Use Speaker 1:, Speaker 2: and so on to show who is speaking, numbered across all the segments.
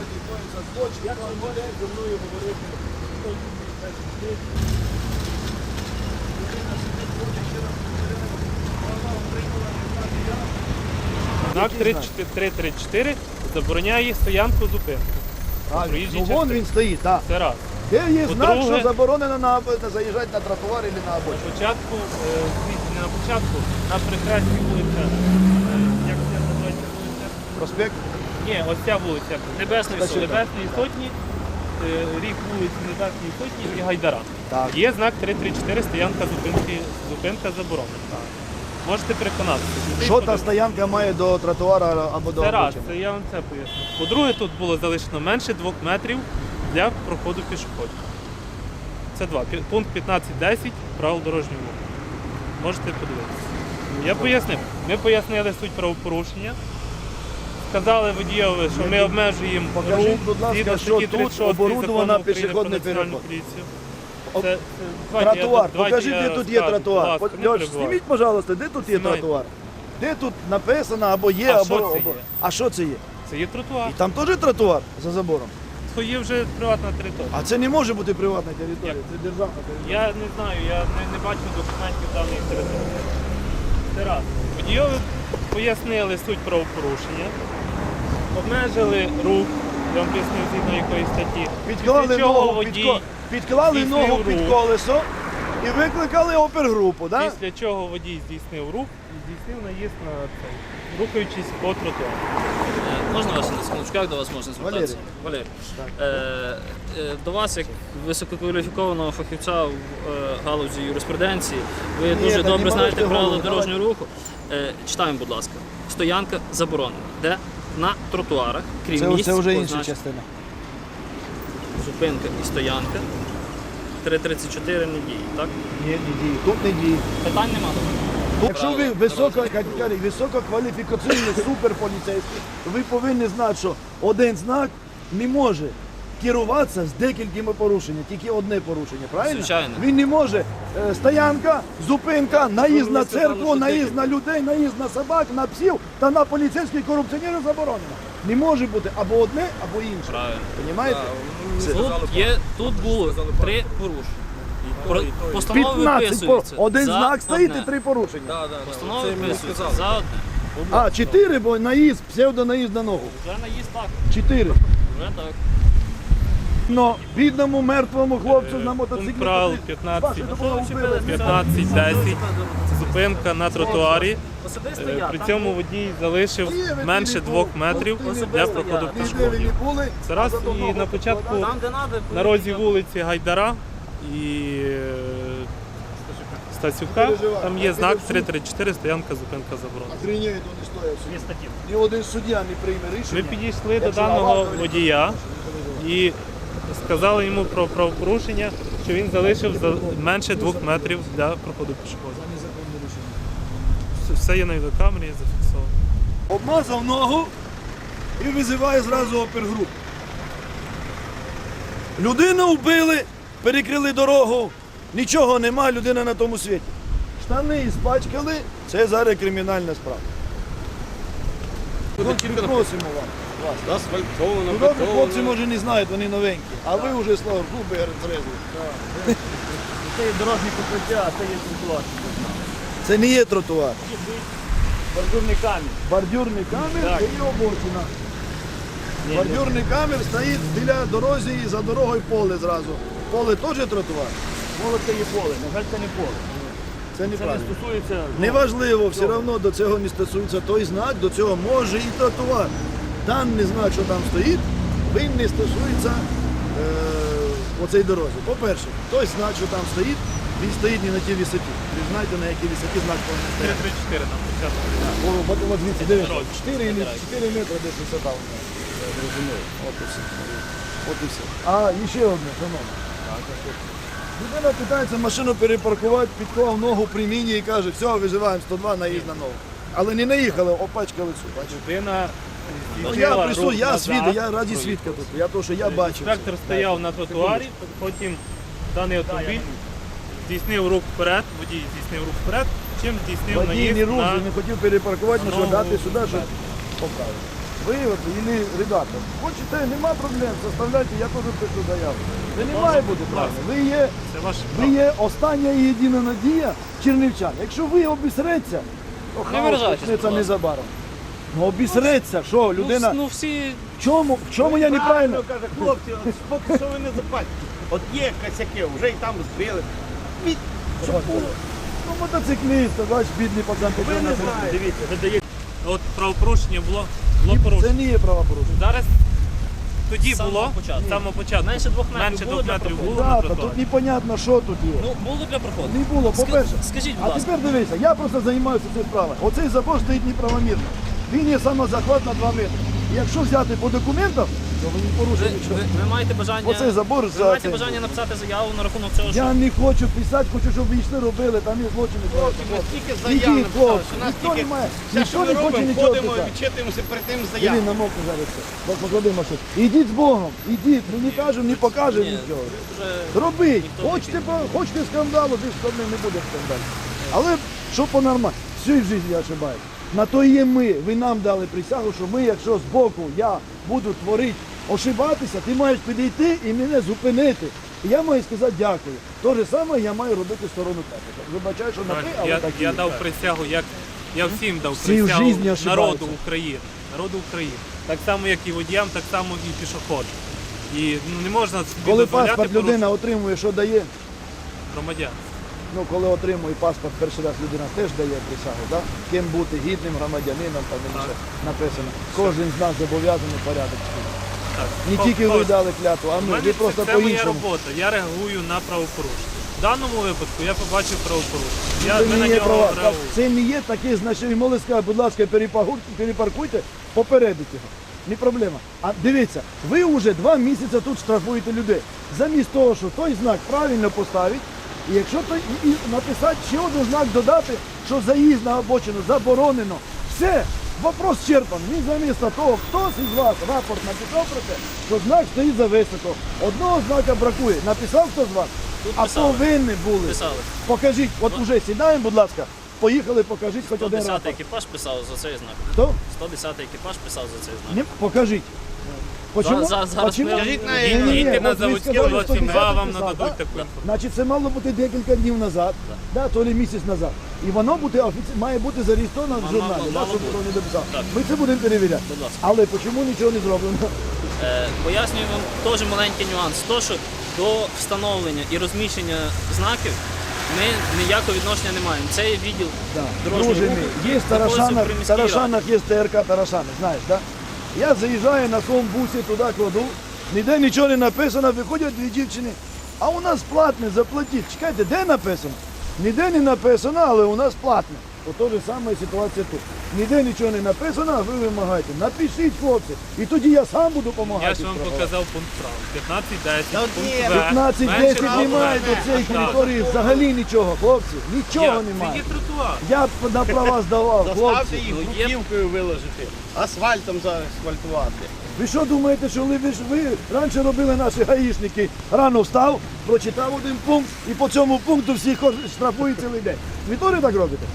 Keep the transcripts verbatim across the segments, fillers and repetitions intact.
Speaker 1: Як ви можете зі мною говорити?
Speaker 2: Знак три три чотири забороняє стоянку зупинку.
Speaker 1: Правильно.
Speaker 2: Проїжджій
Speaker 1: Ну вон
Speaker 2: частині.
Speaker 1: він стоїть, так.
Speaker 2: Це раз.
Speaker 1: Де є знак,
Speaker 2: По-друге-
Speaker 1: що заборонено на, на заїжджати на тротуар або на
Speaker 2: На
Speaker 1: обочину?
Speaker 2: початку, е, звідси не на початку, на прекрасній вулиця. е, Як це називається вулиця?
Speaker 1: Проспект?
Speaker 2: Ні, ось ця вулиця.
Speaker 3: Небесної
Speaker 2: Небесної,
Speaker 3: Сотні.
Speaker 2: Небесної Сотні, е, рік вулиці Небесної Сотні і Гайдара.
Speaker 1: Так.
Speaker 2: Є знак три три чотири, стоянка зупинки, зупинка заборонена. Можете переконатися.
Speaker 1: Що та стоянка має до тротуара або до
Speaker 2: Це раз,
Speaker 1: обочини?
Speaker 2: це я вам це поясню. По-друге, тут було залишено менше двох метрів для проходу пішоходів. Це два. Пі- Пункт п'ятнадцять десять правил дорожнього руху. Можете подивитися. Я пояснив. Ми пояснили суть правопорушення. Сказали водієві, що ми обмежуємо
Speaker 1: Покажіть,
Speaker 2: рух
Speaker 1: будь ласка,
Speaker 2: згідно
Speaker 1: що
Speaker 2: статті
Speaker 1: тут
Speaker 2: тридцять шість
Speaker 1: оборудовано
Speaker 2: Закону України
Speaker 1: пішохідний
Speaker 2: про національну
Speaker 1: переход.
Speaker 2: поліцію.
Speaker 1: Об-
Speaker 2: Це- це- давайте я-
Speaker 1: Тротуар.
Speaker 2: давайте
Speaker 1: Покажіть,
Speaker 2: я
Speaker 1: де тут є
Speaker 2: розкажу.
Speaker 1: тротуар.
Speaker 2: Будь ласка,
Speaker 1: От,
Speaker 2: не
Speaker 1: Льош,
Speaker 2: перебивайте.
Speaker 1: зніміть, пожалуйста, де тут є
Speaker 2: Знімайте.
Speaker 1: тротуар? Де тут написано або є,
Speaker 2: А
Speaker 1: або...
Speaker 2: що це
Speaker 1: або-
Speaker 2: є?
Speaker 1: А що це є?
Speaker 2: Це є тротуар.
Speaker 1: І там теж тротуар за забором?
Speaker 2: Це є вже приватна територія.
Speaker 1: А це не може бути приватна територія,
Speaker 2: Як?
Speaker 1: це державна територія.
Speaker 2: Я не знаю, я не, не бачу документів даної території. Це раз. Водійові пояснили суть правопорушення, обмежили рух, я вам пояснив згідно якої статті.
Speaker 1: Підклали
Speaker 2: Після чого
Speaker 1: ногу,
Speaker 2: водій,
Speaker 1: підко... підклали
Speaker 2: здійснив
Speaker 1: ногу під
Speaker 2: рух.
Speaker 1: колесо і викликали опергрупу, так?
Speaker 2: Після чого водій здійснив рух і здійснив наїзд на цей, рухаючись по тротуару.
Speaker 3: Можна вас на секундочку, як до вас можна звертатися? Валерій. Е, е, до вас, як висококваліфікованого фахівця в е, галузі юриспруденції, ви
Speaker 1: Ні,
Speaker 3: дуже
Speaker 1: та не
Speaker 3: добре знаєте
Speaker 1: можете
Speaker 3: правила
Speaker 1: говорити.
Speaker 3: дорожнього руху. Е, читаємо, будь ласка. Стоянка заборонена. Де на тротуарах, крім
Speaker 1: Це,
Speaker 3: місць,
Speaker 1: це вже інша
Speaker 3: позначених
Speaker 1: частина.
Speaker 3: зупинка і стоянка. три тридцять чотири не діє, так?
Speaker 1: Ні, не діє. Тут не діє.
Speaker 3: Питань нема до мене.
Speaker 1: Якщо ви високо, категорії, висококваліфікаційний суперполіцейський, ви повинні знати, що один знак не може керуватися з декількома порушеннями, тільки одне порушення, правильно?
Speaker 3: Звичайно.
Speaker 1: Він не може е, стоянка, зупинка, наїзд на
Speaker 3: ви сказали,
Speaker 1: церкву,
Speaker 3: що
Speaker 1: наїзд
Speaker 3: декілька.
Speaker 1: на людей, наїзд на собак, на псів та на поліцейських корупціонерів заборонено. Не може бути або одне, або інше.
Speaker 3: Правильно.
Speaker 1: Понімаєте?
Speaker 3: Тут, є, тут було три порушення. Про- Постанова
Speaker 1: п'ятнадцять по
Speaker 3: виписується.
Speaker 1: один
Speaker 3: за
Speaker 1: знак стоїть
Speaker 3: одне.
Speaker 1: і три порушення.
Speaker 4: Да, да,
Speaker 3: Постанова
Speaker 4: це мені
Speaker 3: виписується
Speaker 4: сказали.
Speaker 3: за одне.
Speaker 1: А, чотири, бо наїзд, псевдонаїзд на ногу.
Speaker 3: Вже наїзд так.
Speaker 1: Чотири.
Speaker 3: Вже так.
Speaker 1: Но бідному мертвому хлопцю
Speaker 2: Е,
Speaker 1: на мотоциклі.
Speaker 2: пункт правил
Speaker 1: котрий-
Speaker 2: п'ятнадцять.
Speaker 1: Бачите, такого вбили.
Speaker 2: п'ятнадцять десять. Зупинка на тротуарі.
Speaker 3: Особисто
Speaker 2: Е,
Speaker 3: я.
Speaker 2: При
Speaker 3: так?
Speaker 2: цьому водій залишив менше двох метрів для проходу
Speaker 1: Ніде ви
Speaker 2: пішоходів.
Speaker 1: не були.
Speaker 2: Це раз
Speaker 1: а зато
Speaker 2: і
Speaker 1: ногу
Speaker 2: на початку
Speaker 1: покладали.
Speaker 3: Там, де надо,
Speaker 2: на розі вулиці Гайдара і е, Стасюка, там є знак три три чотири, стоянка, зупинка заборонена.
Speaker 1: Охренєють вони стоять.
Speaker 3: Є статті.
Speaker 1: Ні один суддя не прийме рішення.
Speaker 2: Ми підійшли до
Speaker 1: Якщо
Speaker 2: даного
Speaker 1: аварія,
Speaker 2: водія і сказали йому про правопорушення, що він залишив за менше двох метрів для проходу пішоходів.
Speaker 1: Незаконне рішення.
Speaker 2: Все є на відеокамері, зафіксовано.
Speaker 1: Обмазав ногу і визиває зразу опергрупу. Людину вбили, перекрили дорогу, нічого нема, людина на тому світі. Штани іспачкали, це зараз кримінальна справа. Хлопці, просимо вам. вас.
Speaker 4: Асфальтовано,
Speaker 1: Ну, добре, хлопці,
Speaker 4: бетонно.
Speaker 1: може, не знають, вони новенькі. А ви вже, слава Богу, зрезли.
Speaker 3: Це є дорожні покриття, а це є тротуар.
Speaker 1: Це не є тротуар.
Speaker 3: Бордюрний камінь.
Speaker 1: Бордюрний камер
Speaker 3: Так.
Speaker 1: це є обочина. Бордюрний камер стоїть біля дорозі і за дорогою поле зразу. Поле теж тротуар.
Speaker 3: Поле це є поле, на жаль, це не поле.
Speaker 1: Це
Speaker 3: Це не
Speaker 1: неправильно.
Speaker 3: стосується...
Speaker 1: Неважливо, все одно до цього не стосується той знак, до цього може і тротуар. Даний знак, що там стоїть, він не стосується е, оцей дорозі. По-перше, той знак, що там стоїть, він стоїть не на тій висоті. Ви знаєте, на якій висоті знак повинен
Speaker 2: три
Speaker 1: стояти.
Speaker 2: три чотири нам початку.
Speaker 1: О, от, от дивіться, дивіться. чотири метри десь висота у нього. Розумію. От і все. От і все. А, і ще одне, шановне. Людина питається машину перепаркувати, підклав ногу при міні і каже, все, виживаємо сто два, наїзд на ногу. Але не наїхали, опачкали цю. Бачите?
Speaker 2: Людина
Speaker 1: Ну,
Speaker 2: здійснила
Speaker 1: я прису,
Speaker 2: рух
Speaker 1: я
Speaker 2: назад.
Speaker 1: свідок, я раді свідка тут. Я то, що я бачив.
Speaker 2: Інспектор стояв на тротуарі, потім даний автомобіль здійснив рух вперед, водій здійснив рух вперед, чим здійснив
Speaker 1: Водій
Speaker 2: наїзд
Speaker 1: не рух,
Speaker 2: на...
Speaker 1: не хотів перепаркувати, ну що
Speaker 2: ногу
Speaker 1: дати сюди, щоб
Speaker 2: вперед.
Speaker 1: поправити. ви от, или ребята, хочете, нема проблем, составляйте, я теж пишу заяву. Це не має бути правильно. Ви є,
Speaker 2: Це ваш
Speaker 1: ви є остання і єдина надія чернівчан. Якщо ви обісреться, то хаос
Speaker 3: виражайтесь,
Speaker 1: почнеться
Speaker 3: будь ласка.
Speaker 1: незабаром. Ну обісреться, що людина,
Speaker 3: Ну, ну всі
Speaker 1: в чому, в чому я неправильно?
Speaker 4: Каже, хлопці, от поки що ви не запальте. От є косяки, вже і там збили. Від- щоб було.
Speaker 1: Ну мотоцикліст, бач, бідний пацан
Speaker 4: Ви
Speaker 1: пішов
Speaker 4: не
Speaker 1: на
Speaker 4: знаєте. Дивіться, ви даєте.
Speaker 2: От правопорушення було, було
Speaker 1: Це
Speaker 2: порушено.
Speaker 1: не є правопорушення.
Speaker 2: Зараз тоді
Speaker 3: З самого
Speaker 2: було,
Speaker 3: початку.
Speaker 2: з самого початку.
Speaker 3: Менше двох метрів
Speaker 2: Менше
Speaker 3: було
Speaker 2: двох
Speaker 3: для
Speaker 2: метрів
Speaker 3: проходу?
Speaker 2: було на
Speaker 1: Да, та
Speaker 2: тротуарі.
Speaker 1: тут непонятно, що тут є.
Speaker 3: ну було для проходу.
Speaker 1: Не було,
Speaker 3: Ска-
Speaker 1: по-перше.
Speaker 3: Скажіть, будь
Speaker 1: А
Speaker 3: ласка.
Speaker 1: тепер дивися, я просто займаюся цією справою. Оцей забор стоїть неправомірно. Він є самозахват на два метри. І якщо взяти по документам, то ви не
Speaker 3: Ви,
Speaker 1: порушили
Speaker 3: ви,
Speaker 1: нічого.
Speaker 3: ви маєте бажання,
Speaker 1: Оцей забор
Speaker 3: ви
Speaker 1: за
Speaker 3: маєте
Speaker 1: цим.
Speaker 3: бажання написати заяву на рахунок цього, що
Speaker 1: Я не хочу писати, хочу, щоб ви йшли робили, там є злочини.
Speaker 4: Хлопці, ми стільки заяв
Speaker 1: Ідіть,
Speaker 4: написали,
Speaker 1: хлопці,
Speaker 4: що нас
Speaker 1: ніхто
Speaker 4: тільки
Speaker 1: не має,
Speaker 4: все,
Speaker 1: ніхто
Speaker 4: що ми
Speaker 1: не хоче
Speaker 4: робимо,
Speaker 1: нічого
Speaker 4: ходимо і
Speaker 1: писати.
Speaker 4: відчитуємося перед тим
Speaker 1: Іди
Speaker 4: заяву.
Speaker 1: на мовку зараз. Так, поклади машину. Ідіть з Богом, ідіть, ми не кажемо, не покажемо
Speaker 3: Ні,
Speaker 1: нічого.
Speaker 3: вже
Speaker 1: Робіть.
Speaker 3: ніхто не
Speaker 1: Хочете, по- хочете скандалу, більш проблем не буде скандалу. Але що по-нормально, всю життя я ошибаюсь. На то і є ми. Ви нам дали присягу, що ми, якщо з боку я буду творити, ошибатися, ти маєш підійти і мене зупинити. І я маю сказати дякую. Те ж саме я маю робити в сторону тебе. Вибачаю, що на ти, але
Speaker 2: Я,
Speaker 1: так і
Speaker 2: я
Speaker 1: є.
Speaker 2: дав присягу, як я всім дав
Speaker 1: Всі в
Speaker 2: присягу
Speaker 1: житті ошибаються.
Speaker 2: народу України. Народу України. Так само, як і водіям, так само і пішоходам. І ну, не можна собі
Speaker 1: Коли
Speaker 2: дозволяти
Speaker 1: паспорт людина
Speaker 2: порушувати
Speaker 1: отримує, що дає?
Speaker 2: громадян.
Speaker 1: Ну, коли отримує паспорт перший раз, людина теж дає присягу, так? Ким бути гідним громадянином, там інше написано. Кожен з нас зобов'язаний порядок.
Speaker 2: Так.
Speaker 1: Не
Speaker 2: Хо-
Speaker 1: тільки ви
Speaker 2: хтось.
Speaker 1: дали клятву, а
Speaker 2: У
Speaker 1: ми,
Speaker 2: мене
Speaker 1: ви
Speaker 2: це-
Speaker 1: просто
Speaker 2: це моя
Speaker 1: по-іншому.
Speaker 2: робота. Я реагую на правопорушення. В даному випадку я побачив правопорушення. Я
Speaker 1: Це
Speaker 2: ми на
Speaker 1: не є
Speaker 2: нього
Speaker 1: права. Так,
Speaker 2: реагую.
Speaker 1: це не є таке, значить, ви могли сказати, будь ласка, перепагу- перепаркуйте, попередіть його. Не проблема. А дивіться, ви вже два місяці тут штрафуєте людей. Замість того, що той знак правильно поставить, і якщо той і, і написати ще один знак додати, що заїзд на обочину заборонено. Все, вопрос черпан. Він замість того, хтось із вас рапорт написав про те, що знак стоїть за високо. Одного знака бракує. Написав хто з вас?
Speaker 3: Тут
Speaker 1: А
Speaker 3: писали.
Speaker 1: повинні були.
Speaker 3: писали.
Speaker 1: Покажіть, от уже сідаємо, будь ласка. Поїхали, покажіть хоч
Speaker 3: сто
Speaker 1: один
Speaker 3: десятий
Speaker 1: рапорт.
Speaker 3: екіпаж писав за цей знак.
Speaker 1: Хто?
Speaker 3: сто десятий екіпаж писав за цей знак.
Speaker 1: Не, покажіть. Почему?
Speaker 3: За- за- зараз
Speaker 1: Почему?
Speaker 3: ми-
Speaker 4: Скажіть на-
Speaker 1: Ні, ні, ні,
Speaker 2: Їдьте на
Speaker 1: от ви
Speaker 2: заводські
Speaker 1: сказали,
Speaker 2: двадцять два,
Speaker 1: сто десятий
Speaker 2: вам
Speaker 1: писав,
Speaker 2: нададуть
Speaker 1: да?
Speaker 2: таку інформацію.
Speaker 1: Значить, це мало бути декілька днів назад, да, то ли місяць назад. І воно буде офіці... має бути зареєстровано в
Speaker 3: Мало-
Speaker 1: журналі,
Speaker 3: мало
Speaker 1: да, щоб
Speaker 3: бути.
Speaker 1: хто не дописав.
Speaker 3: Так.
Speaker 1: Ми це будемо перевіряти.
Speaker 3: Будь ласка.
Speaker 1: Але чому нічого не зроблено?
Speaker 3: Е, пояснюю вам теж маленький нюанс. То, що до встановлення і розміщення знаків ми ніякого відношення не маємо. Це є відділ
Speaker 1: Да.
Speaker 3: дорожнього
Speaker 1: Друже
Speaker 3: руху.
Speaker 1: мій, є в
Speaker 3: знаходиться
Speaker 1: Тарашанах,
Speaker 3: при
Speaker 1: в
Speaker 3: міській раді.
Speaker 1: Тарашанах є ТРК Тарашани, знаєш, да? Я заїжджаю на своєму бусі, туди кладу, ніде нічого не написано, виходять дві дівчини, а у нас платне, заплатіть. Чекайте, де написано? Ніде не написано, але у нас платне. То же саме ситуація тут. Ніде нічого не написано, а ви вимагаєте. Напишіть, хлопці, і тоді я сам буду допомагати.
Speaker 2: Я ж вам показав пункт прав. п'ятнадцять десять,
Speaker 4: Та от
Speaker 2: пункт
Speaker 4: ні,
Speaker 2: В.
Speaker 1: п'ятнадцять
Speaker 2: Менше
Speaker 1: десять
Speaker 2: двох
Speaker 1: немає
Speaker 2: метрів.
Speaker 1: до цієї
Speaker 2: Так.
Speaker 1: території взагалі нічого, хлопці. Нічого
Speaker 2: Як? Це
Speaker 1: немає.
Speaker 2: є тротуар.
Speaker 1: Я б на права здавав,
Speaker 4: Заставте
Speaker 1: хлопці.
Speaker 4: їх
Speaker 3: Ну, є-
Speaker 4: бруківкою виложити, асфальтом заасфальтувати.
Speaker 1: Ви що думаєте, що ви, ж- ви раніше робили наші гаїшники? Рано встав, прочитав один пункт і по цьому пункту всіх штрафують цілий день. Ви теж так робите?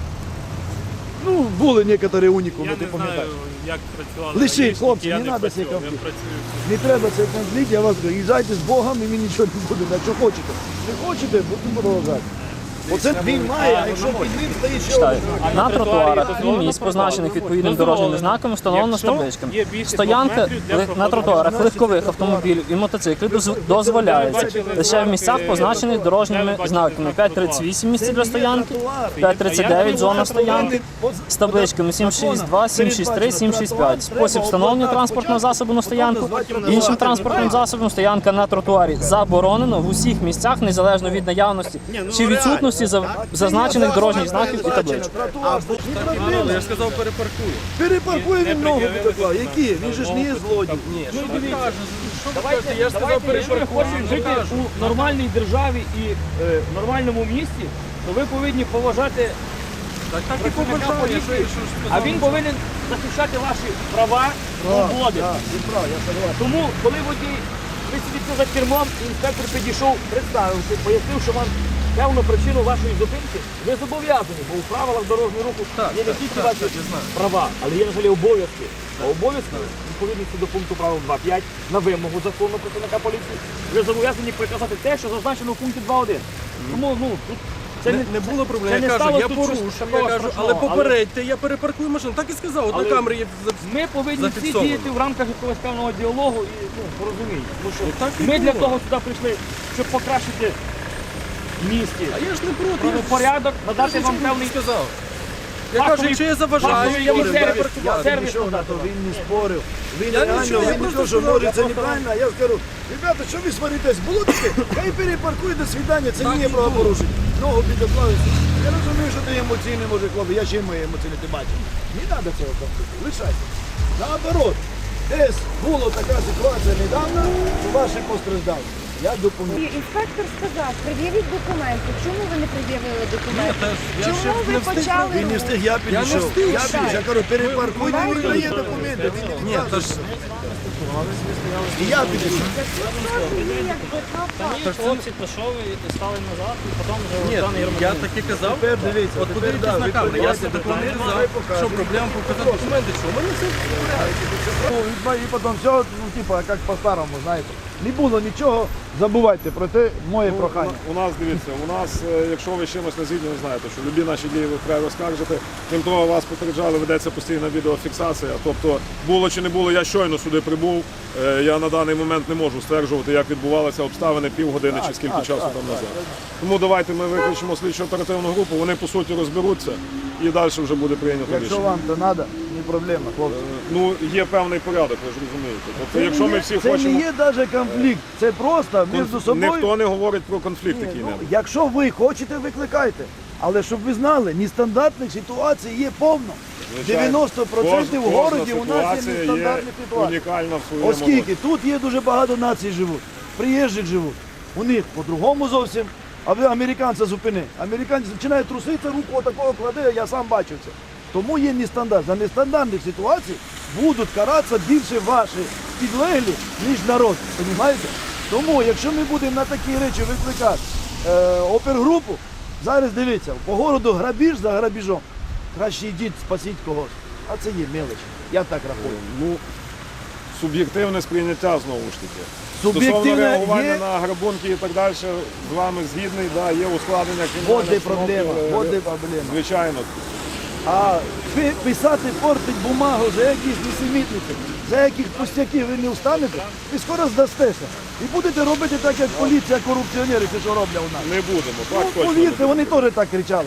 Speaker 1: Ну, були некоторі унікуми,
Speaker 2: Я
Speaker 1: ти
Speaker 2: не знаю,
Speaker 1: пам'ятаєш.
Speaker 2: як працювали.
Speaker 1: Лишіть,
Speaker 2: гаїшники,
Speaker 1: хлопці,
Speaker 2: я
Speaker 1: не надо
Speaker 2: працював,
Speaker 1: цей
Speaker 2: я
Speaker 1: конфлікт.
Speaker 2: працюю.
Speaker 1: Не треба цей конфлікт, я вас говорю, їжджайте з Богом і мені нічого не буде. Якщо хочете. Не хочете, будемо продовжати. Оце він має, а якщо під ним стоїть ще
Speaker 3: Читаю.
Speaker 1: один.
Speaker 3: На тротуарах і
Speaker 2: дозволено
Speaker 3: місць,
Speaker 2: проходити.
Speaker 3: позначених відповідним
Speaker 2: Дозволено.
Speaker 3: дорожніми знаками, встановлено з
Speaker 2: Якщо
Speaker 3: табличками.
Speaker 2: є більше
Speaker 3: Стоянка
Speaker 2: двох метрів для
Speaker 3: ли- на
Speaker 2: проходу.
Speaker 3: тротуарах
Speaker 1: Значить,
Speaker 3: легкових
Speaker 1: це
Speaker 3: автомобілів і мотоциклів доз- дозволяється лише в місцях, позначених дорожніми знаками. п'ять тридцять вісім місце для стоянки, п'ять тридцять дев'ять зона стоянки з табличками сім шість два, сім шість три, сім шість п'ять. Спосіб встановлення транспортного засобу на стоянку. Іншим транспортним засобом стоянка на тротуарі заборонено в усіх місцях, незалежно від наявності чи відсутності за- зазначених дорожніх знаків і табличок.
Speaker 1: Тротуар,
Speaker 4: Я сказав, перепаркую.
Speaker 1: перепаркує він ногу підоклав. Які? Він же ж не є злодій.
Speaker 5: Давайте, я сказав, якщо ви хочете жити у нормальній державі і е, нормальному місті, то ви повинні поважати працівника поліції, а він повинен захищати ваші права, свободи.
Speaker 1: Так, він прав, я согласен.
Speaker 5: Тому, коли водій, ви сидите за кермом, і інспектор підійшов, представився, пояснив, що вам певну причину вашої зупинки, ви зобов'язані, бо у правилах дорожнього руху є не тільки ваші права, але є взагалі обов'язки. А обов'язки, відповідності до пункту правил два п'ять, на вимогу закону працівника поліції, ви зобов'язані приказати те, що зазначено в пункті два один. Тому, ну, тут це
Speaker 6: Не, не було проблем.
Speaker 5: це
Speaker 6: Я
Speaker 5: не
Speaker 6: кажу,
Speaker 5: сталося
Speaker 6: я
Speaker 5: тут
Speaker 6: порушив,
Speaker 5: щось
Speaker 6: я
Speaker 5: такого
Speaker 6: кажу, але
Speaker 5: страшного.
Speaker 6: попередьте, я перепаркую машину. Так і сказав, от
Speaker 5: Але-
Speaker 6: на камері є за-
Speaker 5: Ми повинні всі
Speaker 6: зафіксовано.
Speaker 5: діяти в рамках якогось певного діалогу і ну, порозуміння. Тому що
Speaker 6: Ну, так і
Speaker 5: ми для
Speaker 6: було.
Speaker 5: того сюди прийшли, щоб покращити в місті
Speaker 6: А я ж не проти. я ж-
Speaker 5: правопорядок,
Speaker 6: я
Speaker 5: надати
Speaker 6: ж
Speaker 5: вам
Speaker 6: нічого
Speaker 5: певний
Speaker 6: не сказав. Я
Speaker 5: фаховий-
Speaker 6: кажу, якщо я заважаю,
Speaker 5: фаховий
Speaker 6: я
Speaker 5: сервіс.
Speaker 6: перепаркувати.
Speaker 5: Сервіс
Speaker 1: Нічого на
Speaker 5: надати
Speaker 1: то,
Speaker 5: вам.
Speaker 1: він не спорив. Він
Speaker 6: Я
Speaker 1: реально,
Speaker 6: нічого, я
Speaker 1: він не
Speaker 6: просто
Speaker 1: то, що
Speaker 6: сказав,
Speaker 1: може,
Speaker 6: я
Speaker 1: це
Speaker 6: просто-
Speaker 1: неправильно. А я скажу, ребята, що ви сваритесь? Було таке? Хай перепаркуй, до свидання, це
Speaker 6: Так
Speaker 1: не є
Speaker 6: і
Speaker 1: правопорушення. Ногу підоклавився. Я розумію, що ти емоційний, може, хлопець, я чим мої емоційні, ти бачиш. Не треба цього конфлікту, лишайте. Наоборот, десь була така ситуація недавно, що ваші постраждали. Я допоміг.
Speaker 7: І інспектор сказав, пред'явіть документи. Чому ви не пред'явили документи?
Speaker 6: Ні, та ж я ще
Speaker 7: Чому ви
Speaker 6: не встиг.
Speaker 7: почали
Speaker 1: Він не
Speaker 7: рух?
Speaker 1: встиг, я підійшов.
Speaker 6: встиг,
Speaker 1: Я
Speaker 6: так.
Speaker 1: підійшов, я кажу, перепаркуйте,
Speaker 7: Ви-
Speaker 1: він дає документи. Він не
Speaker 6: Ні, та ж
Speaker 1: І я підійшов.
Speaker 7: Це теж є якби права.
Speaker 3: Хлопці пішов і стали назад, і потім вже
Speaker 6: ні,
Speaker 3: даний
Speaker 6: я
Speaker 3: громадянин.
Speaker 6: так і казав.
Speaker 1: Тепер дивіться,
Speaker 6: От
Speaker 1: тепер,
Speaker 6: подивіться
Speaker 1: да,
Speaker 6: на
Speaker 1: ви
Speaker 6: камеру. Я
Speaker 1: подивіться,
Speaker 6: себе
Speaker 1: тепер
Speaker 6: не
Speaker 1: нехай
Speaker 6: казав,
Speaker 1: покаже.
Speaker 6: що проблема показати документи, що у мене все
Speaker 1: Ну, і потім все, ну, типа, як по-старому, знаєте. Не було нічого, забувайте про те, моє прохання.
Speaker 8: У нас, дивіться, у нас, е, якщо ви з чимось не згідні, ви знаєте, що любі наші дії ви вправі розкажете. Крім того, вас попереджали, ведеться постійна відеофіксація. Тобто, було чи не було, я щойно сюди прибув. Е, Я на даний момент не можу стверджувати, як відбувалися обставини півгодини чи скільки
Speaker 1: так,
Speaker 8: часу
Speaker 1: так,
Speaker 8: там
Speaker 1: так,
Speaker 8: назад. Тому давайте ми виключимо слідчо оперативну групу, вони по суті розберуться і далі вже буде прийнято
Speaker 1: Якщо
Speaker 8: рішення.
Speaker 1: вам то треба, не проблема, хлопці.
Speaker 8: Ну, є певний порядок, ви ж розумієте. Тобто,
Speaker 1: Це
Speaker 8: якщо
Speaker 1: не
Speaker 8: ми
Speaker 1: є-
Speaker 8: всі
Speaker 1: це
Speaker 8: хочемо.
Speaker 1: не є навіть конфлікт, це просто між собою.
Speaker 8: Ніхто не говорить про конфлікт
Speaker 1: Ні,
Speaker 8: який
Speaker 1: ну,
Speaker 8: небудь.
Speaker 1: якщо ви хочете, викликайте. Але щоб ви знали, нестандартних ситуацій є повно. дев'яносто відсотків в
Speaker 8: Кожна
Speaker 1: городі у нас є
Speaker 8: ситуація
Speaker 1: нестандартні ситуації.
Speaker 8: унікальна в своєму
Speaker 1: Оскільки тут є дуже багато націй живуть, приїжджих живуть. У них по-другому зовсім. А ви американця зупини. Американець починає труситися, руку отакого кладе, я сам бачив це. Тому є нестандарт. За нестандартних ситуацій будуть каратися більше ваші підлеглі, ніж народ. Понімаєте? Тому, якщо ми будемо на такі речі викликати е, опергрупу, зараз дивіться, по городу грабіж за грабіжом. Краще йдіть, спасіть когось. А це є мелочі. Я так рахую.
Speaker 8: Ну, суб'єктивне сприйняття знову ж таки. Стосовно
Speaker 1: Суб'єктивне
Speaker 8: реагування
Speaker 1: є.
Speaker 8: на грабунки і так далі, з вами згідний, да, є ускладнення
Speaker 1: Вот
Speaker 8: кримінальних
Speaker 1: де
Speaker 8: обстановки,
Speaker 1: проблема.
Speaker 8: е,
Speaker 1: Вот де проблема.
Speaker 8: Звичайно.
Speaker 1: А ви писати, портить бумагу за якісь несемітниці, за яких пустяків ви не встанете, ви скоро здастеся. І будете робити так, як поліція, корупціонери, це що роблять у нас.
Speaker 8: Не будемо, так
Speaker 1: Ну,
Speaker 8: точно.
Speaker 1: повірте, вони теж так кричали.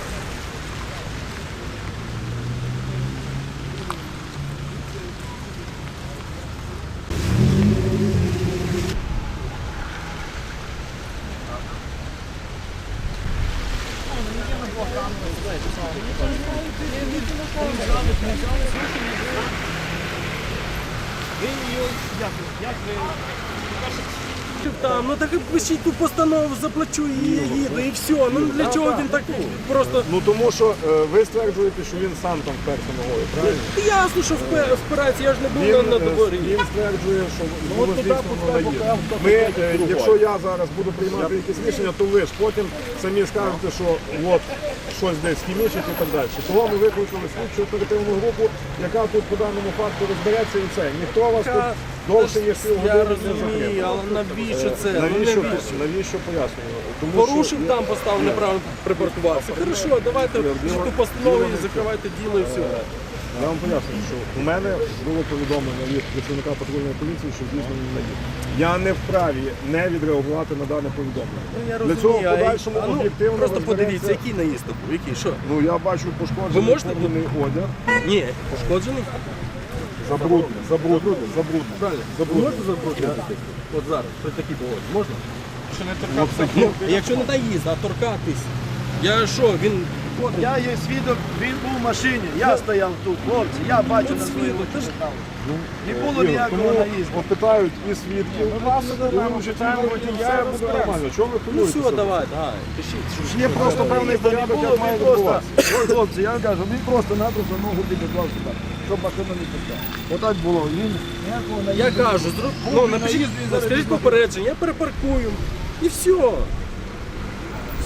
Speaker 6: там, ну так і пишіть ту постанову, заплачу і їду, і все. Ну для чого він так просто.
Speaker 8: Ну тому що е, ви стверджуєте, що він сам там вперся ногою, правильно?
Speaker 6: Ясно, що впе- впирається, я ж не був
Speaker 8: Він,
Speaker 6: на, на
Speaker 8: е,
Speaker 6: дворі.
Speaker 8: він стверджує, що було
Speaker 1: от туди
Speaker 8: здійснено
Speaker 1: пускай
Speaker 8: наїзд.
Speaker 1: покаже, хто
Speaker 8: Ми,
Speaker 1: таке
Speaker 8: е,
Speaker 1: другой.
Speaker 8: якщо я зараз буду приймати якісь рішення, то ви ж потім самі скажете, що от щось десь хімічить і так далі. Того ми викликали слідчу оперативну групу, яка тут по даному факту розбереться і все. Ніхто вас тут довше ніж
Speaker 6: Я
Speaker 8: півгодини не
Speaker 6: розумію,
Speaker 8: затримає.
Speaker 6: але навіщо це? Ну,
Speaker 8: Навіщо,
Speaker 6: навіщо?
Speaker 8: навіщо пояснюю? Тому
Speaker 6: Порушив
Speaker 8: що-
Speaker 6: там, поставив неправильно припаркувався. Хорошо, давайте пишіть ту постанову і закривайте діло і все.
Speaker 8: Я вам пояснюю, що у мене було повідомлення від працівника патрульної поліції, що здійснено наїзд. Я не вправі не відреагувати на дане повідомлення.
Speaker 6: Ну, я
Speaker 8: Для
Speaker 6: розумію,
Speaker 8: цього в
Speaker 6: а я-
Speaker 8: подальшому
Speaker 6: а ну,
Speaker 8: об'єктивно
Speaker 6: просто
Speaker 8: розбереться-
Speaker 6: подивіться, який наїзд був, який, що?
Speaker 8: Ну я бачу пошкоджений
Speaker 6: Ви можете
Speaker 8: формений одяг.
Speaker 6: Ні, пошкоджений?
Speaker 8: Забрудний, забрудний, забрудний.
Speaker 6: Правильно. Ви
Speaker 8: Забрудний.
Speaker 6: можете забруднити? От зараз, при такій погоді, можна?
Speaker 8: Ну, це
Speaker 6: Ну, якщо не наїзд, а торкатись. Я що, він...
Speaker 1: Я є свідок, він був в машині, я стояв тут, хлопці, я бачу
Speaker 6: От
Speaker 1: на свої
Speaker 6: свідок,
Speaker 1: очі.
Speaker 6: ти ж-
Speaker 1: Не було
Speaker 8: Ігор,
Speaker 1: ніякого
Speaker 8: тому
Speaker 1: наїзду.
Speaker 8: опитають і свідків, і вчителів, і все буде нормально. Чого ви
Speaker 6: Ну
Speaker 8: хвилюєтеся?
Speaker 6: все, давай, давай, пишіть.
Speaker 8: Є просто певний
Speaker 1: Наїзду не
Speaker 8: порядок,
Speaker 1: було,
Speaker 8: як має
Speaker 1: він просто,
Speaker 8: відбуватися.
Speaker 1: ой, хлопці, я кажу, він просто-напросто ногу підіклав сюди, щоб машину не пускав. Отак було, він ніякого
Speaker 6: Я
Speaker 1: наїзду.
Speaker 6: кажу, зру... ну, напишіть, скажіть попередження, я перепаркую. І все. Все.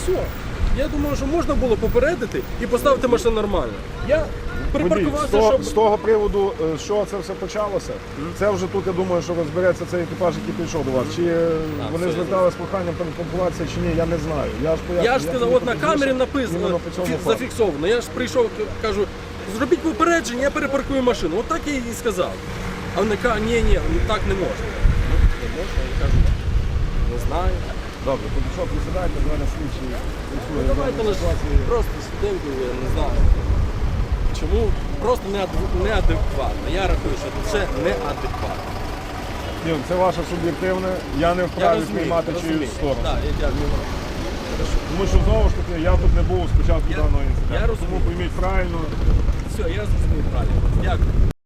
Speaker 6: все. Я думаю, що можна було попередити і поставити машину нормально. Я
Speaker 8: Водій, з,
Speaker 6: припаркувався,
Speaker 8: того,
Speaker 6: щоб...
Speaker 8: з того приводу, е, з чого це все почалося, це вже тут, я думаю, що розбереться цей екіпаж, який прийшов до вас. Чи е, вони
Speaker 6: все,
Speaker 8: звертали з проханням перепаркуватися, чи ні, я не знаю. Я ж поясню,
Speaker 6: Я ж сказав,
Speaker 8: тобі
Speaker 6: от на
Speaker 8: пізніше
Speaker 6: камері
Speaker 8: іменно
Speaker 6: написано,
Speaker 8: по цьому
Speaker 6: фі-
Speaker 8: факту.
Speaker 6: зафіксовано. Я ж прийшов, к- кажу, зробіть попередження, я перепаркую машину. От так я і сказав. А вони кажуть, ні, ні, так не можна. Ну, не можна, я кажу, не знаю.
Speaker 8: Добре, тоді що, присідайте, зараз слідчі працює.
Speaker 6: Давайте лише просто сиденьку, я не знаю. Чому? Просто неад- неадекватно. Я рахую, що це неадекватно.
Speaker 8: Ні, це ваше суб'єктивне, я не
Speaker 6: Я
Speaker 8: вправі
Speaker 6: розумію,
Speaker 8: приймати
Speaker 6: розумію.
Speaker 8: чиюсь сторону.
Speaker 6: Так, я дякую.
Speaker 8: Тому що знову ж таки, я тут не був спочатку
Speaker 6: Я-
Speaker 8: даного
Speaker 6: я
Speaker 8: інциденту.
Speaker 6: розумію.
Speaker 8: Тому пойміть правильно.
Speaker 6: Все, я зрозумів правильно. Дякую.